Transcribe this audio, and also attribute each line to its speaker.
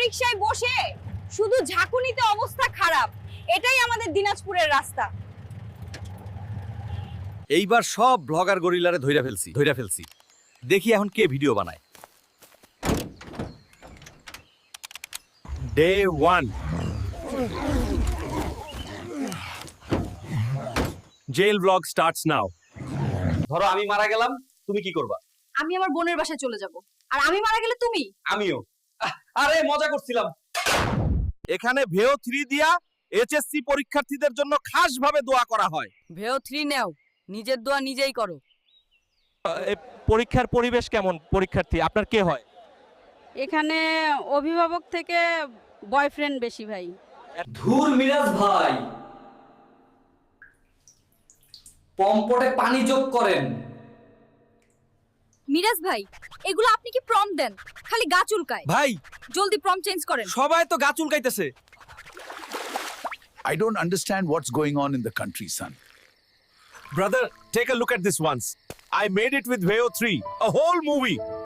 Speaker 1: রিকশায় বসে শুধু ঝাঁকুনিতে অবস্থা খারাপ। এটাই আমাদের দিনাজপুরের রাস্তা।
Speaker 2: এইবার সব ব্লগার গরিলারে ধইরা ফেলছি। দেখি এখন কে ভিডিও বানায়। Day 1 jail vlog starts now. ধরো আমি মারা গেলাম, তুমি কি করবা?
Speaker 1: আমি আমার বোনের বাসায় চলে যাব। আর আমি মারা গেলে তুমি?
Speaker 2: আমিও। আরে মজা করছিলাম। এখানে ভেও 3 দিয়া এইচএসসি পরীক্ষার্থীদের জন্য খাসভাবে দোয়া করা হয়।
Speaker 1: ভেও 3 নাও, নিজের দোয়া নিজেই করো।
Speaker 3: পরীক্ষার পরিবেশ কেমন? পরীক্ষার্থী আপনার কে হয়?
Speaker 4: এখানে অভিভাবক থেকে বয়ফ্রেন্ড বেশি ভাই।
Speaker 5: ধুর মিরাজ ভাই, পম্পটে পানি যোগ করেন।
Speaker 1: মিরাজ ভাই, এগুলো আপনি কি প্রম দেন? খালি গা চুলকায়।
Speaker 2: ভাই
Speaker 1: জলদি প্রম চেঞ্জ করেন।
Speaker 2: সবাই তো গা চুলকাইতেছে।
Speaker 6: I don't understand what's going on in the country, son.
Speaker 2: Brother, take a look at this once. I made it with Veo 3, a whole movie.